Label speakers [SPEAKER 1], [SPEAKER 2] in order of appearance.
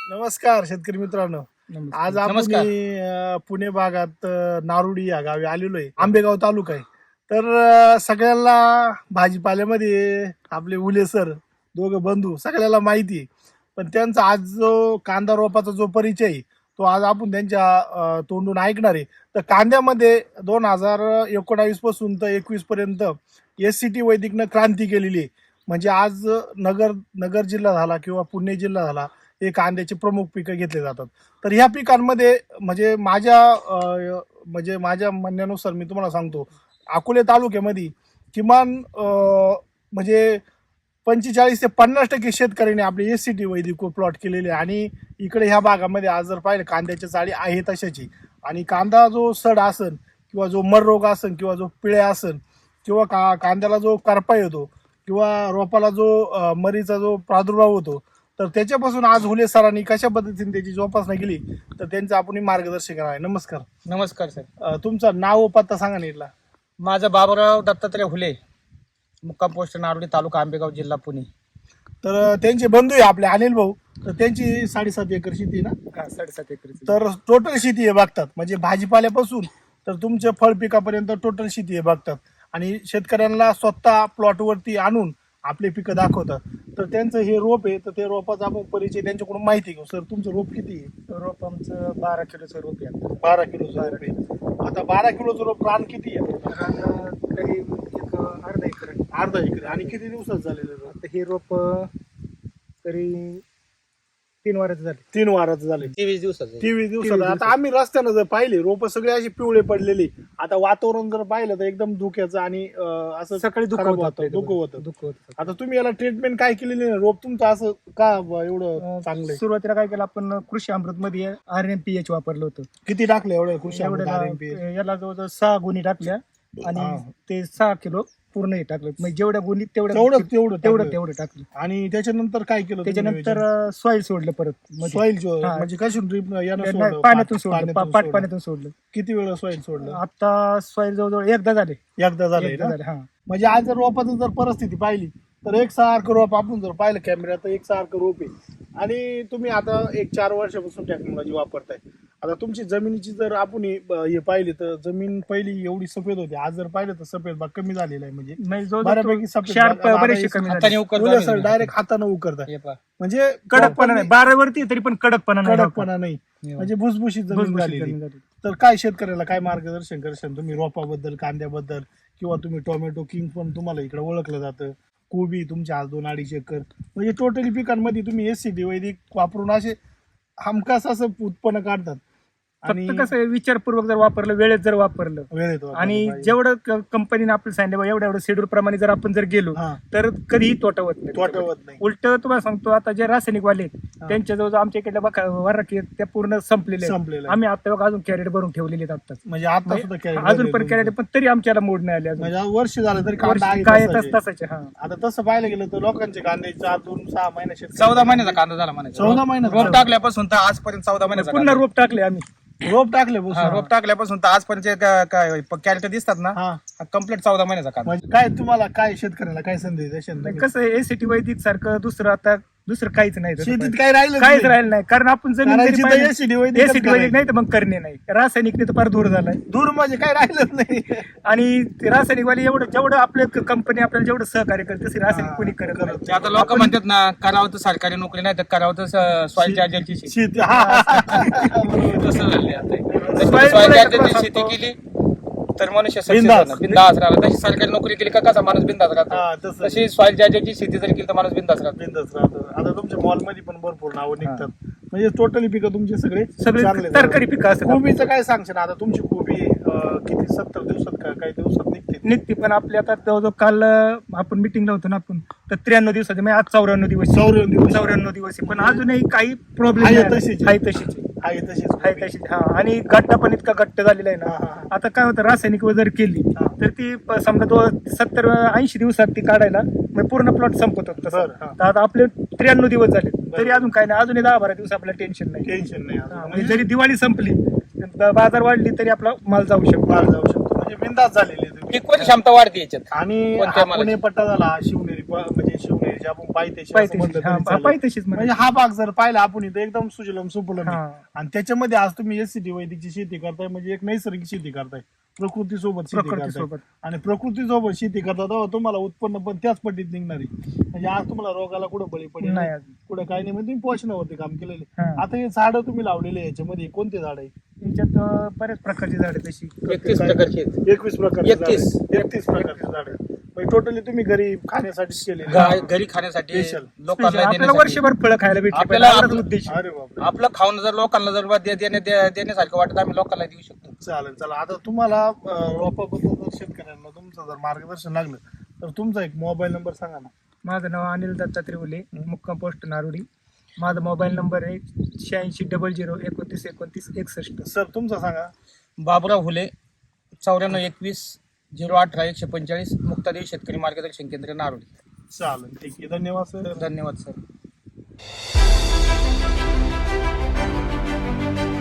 [SPEAKER 1] नमस्कार शेतकरी मित्रांनो. आज आपण पुणे भागात नारुडी या गावी आलेलो आहे. आंबेगाव तालुका आहे. तर सगळ्यांना भाजीपाल्यामध्ये आपले उले सर दोघं बंधू सगळ्याला माहिती आहे. पण त्यांचा आज जो कांदा रोपाचा जो परिचय आहे तो आज आपण त्यांच्या तोंडून ऐकणार आहे. तर कांद्यामध्ये 2019 पासून तर 21 पर्यंत SCT वैदिकनं क्रांती केलेली आहे. म्हणजे आज नगर जिल्हा झाला किंवा पुणे जिल्हा झाला हे कांद्याचे प्रमुख पिकं घेतले जातात. तर ह्या पिकांमध्ये म्हणजे माझ्या म्हणण्यानुसार मी तुम्हाला सांगतो, अकोले तालुक्यामध्ये किमान म्हणजे 45 ते 50% शेतकऱ्यांनी आपले SCT वैदिक प्लॉट केलेले आणि इकडे ह्या भागामध्ये आज जर पाहिलं कांद्याच्या चाळी आहे तशाची. आणि कांदा जो सड असन किंवा जो मर रोग असन किंवा जो पिळ्या असन किंवा कांद्याला जो करपा येतो किंवा रोपाला जो मरीचा जो प्रादुर्भाव होतो, तर त्याच्यापासून आज हुले सरांनी कशा पद्धतीने त्याची जोपासना केली तर त्यांचं आपण मार्गदर्शन करणार आहे. नमस्कार.
[SPEAKER 2] नमस्कार सर.
[SPEAKER 1] तुमचं नाव व पत्ता सांगा नीटला.
[SPEAKER 2] माझं बाबूराव दत्तात्रय हुले, मुक्काम पोस्ट नारोडी, तालुका आंबेगाव, जिल्हा पुणे.
[SPEAKER 1] तर त्यांचे बंधू आहे आपले अनिल भाऊ. तर त्यांची 7.5 एकर शेती आहे ना.
[SPEAKER 2] 7.5 एकर.
[SPEAKER 1] तर टोटल शेती हे बघतात, म्हणजे भाजीपाल्यापासून तर तुमच्या फळ पिकापर्यंत टोटल शेती हे बघतात आणि शेतकऱ्यांना स्वतः प्लॉटवरती आणून आपले पिकं दाखवतात. तर त्यांचं हे रोप आहे, तर ते रोपाचा आपण परिचय त्यांच्याकडून माहिती घेऊ. सर तुमचं रोप किती आहे?
[SPEAKER 2] रोप आमचं 12 किलोचं रोप आहे.
[SPEAKER 1] 12 किलोचं रोप आहे. आता 12 किलोचं रोप रान किती आहे?
[SPEAKER 2] तरी एक अर्धा एकर.
[SPEAKER 1] अर्धा एकर. आणि किती दिवसात झालेलं रोप?
[SPEAKER 2] आता हे रोप तरी 3 वाराचं झाले.
[SPEAKER 1] 3 वाराचं झाले.
[SPEAKER 2] 23 दिवसाचं.
[SPEAKER 1] 23 दिवसात. आता आम्ही रस्त्यानं जर पाहिले रोप सगळे असे पिवळे पडलेले. आता वातावरण जर पाहिलं तर एकदम धुक्याचं आणि असं
[SPEAKER 2] सकाळी धुकं
[SPEAKER 1] होतं. आता तुम्ही याला ट्रीटमेंट काय केलेली नाही? रोप तुमचं असं का एवढं चांगलं?
[SPEAKER 2] सुरुवातीला काय केलं आपण, कृषी अमृत मध्ये RNPH वापरलं होतं.
[SPEAKER 1] किती टाकलं एवढं कृषी अमृत?
[SPEAKER 2] याला जवळजवळ 6 गुणी टाकल्या आणि ते 6 किलो पूर्ण हे टाकलं. म्हणजे जेवढ्या गुणी तेवढं टाकलं.
[SPEAKER 1] आणि त्याच्यानंतर काय केलं?
[SPEAKER 2] त्याच्यानंतर सॉइल सोडलं परत.
[SPEAKER 1] सॉइल म्हणजे कशातून ड्रीप?
[SPEAKER 2] पाण्यातून सोडलं. पाण्यातून सोडलं.
[SPEAKER 1] किती वेळ सॉइल सोडलं?
[SPEAKER 2] आता सॉइल जवळजवळ एकदा झाले.
[SPEAKER 1] हा. म्हणजे आज जर रोपाचं जर परिस्थिती पाहिली तर एकसारखं रोप आपण जर पाहिलं कॅमेऱ्यात तर एकसारखं रोप आहे. आणि तुम्ही आता 4 वर्षापासून टेक्नॉलॉजी वापरताय. आता तुमची जमिनीची जर आपण हे पाहिली तर जमीन पहिली एवढी सफेद होती, आज जर पाहिलं तर सफेद भाग कमी झालेला आहे. म्हणजे बऱ्यापैकी सफेद डायरेक्ट हाताने उकरताय. म्हणजे
[SPEAKER 2] कडकपणा नाही. 12 वरती तरी पण कडकपणा
[SPEAKER 1] नाही. म्हणजे भुसभुशीत जमीन झालेली. तर काय शेतकऱ्याला काय मार्गदर्शन करशाल तुम्ही रोपाबद्दल, कांद्याबद्दल, किंवा तुम्ही टोमॅटो किंग पण तुम्हाला इकडे ओळखलं जातं, कोबी तुमच्या आज 2-2.5 एकर, म्हणजे टोटली पिकांमध्ये तुम्ही SCT वैदिक वापरून असे हमखास असं उत्पन्न काढतात.
[SPEAKER 2] आणि कसं विचारपूर्वक जर वापरलं, वेळेत जर वापरलं आणि जेवढं कंपनीने आपलं सांगितलं एवढं शेड्यूल प्रमाणे जर आपण जर गेलो तर कधीही तोटा होत नाही. उलट तुम्हाला सांगतो, आता जे रासायनिक वाले त्यांच्या जवळ आमच्या इकडल्या वराकी त्या पूर्ण संपलेले. आम्ही आता बघा अजून कॅरेट भरून ठेवलेले आता.
[SPEAKER 1] म्हणजे आता सुद्धा
[SPEAKER 2] अजून पण कॅरेट, पण तरी आमच्याला मोड नाही आले.
[SPEAKER 1] म्हणजे वर्ष झालं तरी
[SPEAKER 2] काय तसाचे.
[SPEAKER 1] आता तसं पाहायला गेलं तर लोकांचे कांदे 4-2-6 महिन्याचे
[SPEAKER 2] 14 महिन्याचा कांदा झाला म्हणायचा.
[SPEAKER 1] 14 महिन्याचा
[SPEAKER 2] रोप टाकल्यापासून तर आजपर्यंत 14 महिन्याचा. पुन्हा रोप टाकले आम्ही. रोप टाकल्यापासून तर आजपर्यंत काय कॅरेट दिसतात ना, कम्प्लीट 14 महिन्याचा कांदा.
[SPEAKER 1] म्हणजे काय तुम्हाला काय शेतकऱ्याला काय संदेश द्याल?
[SPEAKER 2] कसं SCT वैदिक सारखं दुसरं काहीच नाही.
[SPEAKER 1] शेतीत काहीच
[SPEAKER 2] राहिलं नाही. कारण आपण जमीन
[SPEAKER 1] SCT
[SPEAKER 2] वैदिक नाही तर मग करणे नाही. रासायनिकने तर फार दूर झालाय.
[SPEAKER 1] दूर म्हणजे काय राहिलंच नाही.
[SPEAKER 2] आणि रासायनिक वाले जेवढं आपल्या कंपनी आपल्याला जेवढं सहकार्य करते तसे रासायनिक कोणी करत नाही. आता लोक म्हणतात ना, करावं तर सरकारी नोकरी नाही तर करावं तर सॉइल चार्जरची शेती. तसं झाले आता. सॉइल चार्जरची शेती केली तर मनुष्य बिंदास राहतो. तशी सरकारी नोकरी केली का कसा माणूस बिंदास राहतो, तशी सॉइल चार्जरची शेती जर केली तर माणूस बिंदास राहतो.
[SPEAKER 1] आता तुमच्या मॉलमध्ये पण भरपूर नावं निघतात. म्हणजे टोटली पिकं तुमचे सगळे
[SPEAKER 2] तरकारी पिकं असतात.
[SPEAKER 1] कोबीचं काय सांगशील? आता तुमची कोबी किती 70 दिवसात का काही दिवसात निघते?
[SPEAKER 2] पण आपल्या आता जवळजवळ काल आपण मिटिंगला होतो ना आपण, तर 93 दिवसाचे, म्हणजे आज 94 दिवस. 94 दिवस. पण अजूनही काही प्रॉब्लेम आहे तशीच. आणि गट्टा पण इतका गट्ट झालेला आहे ना. आता काय होतं, रासायनिक जर केली तर ती समजा 70-80 दिवसात ती काढायला पूर्ण प्लॉट संपत होत. तर आता आपले 93 दिवस झाले तरी अजून काय नाही. अजूनही 10-12 दिवस आपल्याला टेन्शन नाही. म्हणजे जरी दिवाळी संपली, बाजार वाढली तरी आपला माल जाऊ शकतो.
[SPEAKER 1] म्हणजे बिंदास झालेली
[SPEAKER 3] पिकवण क्षमता वाढते याच्यात.
[SPEAKER 1] आणि
[SPEAKER 3] कोणत्या
[SPEAKER 1] हा पुणे पट्टा झाला शिवनेरी म्हणजे शिवनेरी आपण पायथ्याशी असं
[SPEAKER 2] पायथ्याशी
[SPEAKER 1] म्हणलं तरी
[SPEAKER 2] हा
[SPEAKER 1] चालेल.
[SPEAKER 2] पायथ्याशीच
[SPEAKER 1] म्हणजे हा भाग जर पाहिला आपण इथं एकदम सुजलम सुफलम आहे.
[SPEAKER 2] हा.
[SPEAKER 1] आणि त्याच्यामध्ये आज तुम्ही एससीटी वैदिकची शेती करताय म्हणजे एक नैसर्गिक शेती करताय, प्रकृती सोबत शेती
[SPEAKER 2] प्रकृती
[SPEAKER 1] करताय.
[SPEAKER 2] सोबत
[SPEAKER 1] आणि प्रकृती सोबत शेती करता तेव्हा तुम्हाला उत्पन्न पण त्याच पद्धतीत निघणार आहे. म्हणजे आज तुम्हाला रोगाला कुठं बळी पडेल
[SPEAKER 2] नाही
[SPEAKER 1] नाही,
[SPEAKER 2] अजून.
[SPEAKER 1] कुठं काही नाही, म्हणजे तुम्ही पोषणावरती काम केलेले.
[SPEAKER 2] हा.
[SPEAKER 1] आता हे झाडं तुम्ही लावलेले याच्यामध्ये कोणते झाड आहे?
[SPEAKER 2] याच्यात बऱ्याच प्रकारची झाडे तशी
[SPEAKER 3] 31 प्रकारचे आहेत.
[SPEAKER 1] 21 प्रकारचे
[SPEAKER 3] 31.
[SPEAKER 1] 31 प्रकारचे झाड म्हणजे टोटली तुम्ही घरी खाण्यासाठी केलेले.
[SPEAKER 3] घरी खाण्यासाठी
[SPEAKER 1] Special.
[SPEAKER 3] लोकांना
[SPEAKER 2] आपल्याला
[SPEAKER 3] देण्यासाठी.
[SPEAKER 2] वर्षभर फळं खायला भेटली
[SPEAKER 3] आपल्याला
[SPEAKER 2] पाहिजे,
[SPEAKER 3] आपलं-
[SPEAKER 2] एवढाच उद्देश आहे.
[SPEAKER 1] अरे बापरे,
[SPEAKER 3] आपलं खाऊन जर लोकांना जर देण्यासारखं वाटत आम्ही लोकांना देऊ शकतो.
[SPEAKER 1] चालेल. चला आता तुम्हाला रोपाबद्दल जर शेतकऱ्यांना तुमचं जर मार्गदर्शन लागलं तर तुमचा एक मोबाईल नंबर सांगा ना.
[SPEAKER 2] माझं नाव अनिल दत्तात्रय उले, मुक्काम पोस्ट नारोडी. माझा मोबाईल नंबर आहे 8600292961.
[SPEAKER 1] सर तुमचा सांगा.
[SPEAKER 3] बाबुराव हुले 9421080145 मुक्तादेवी शेतकरी मार्गदर्शन केंद्र नारोडी.
[SPEAKER 1] चालेल, ठीक आहे, धन्यवाद सर.
[SPEAKER 3] धन्यवाद सर.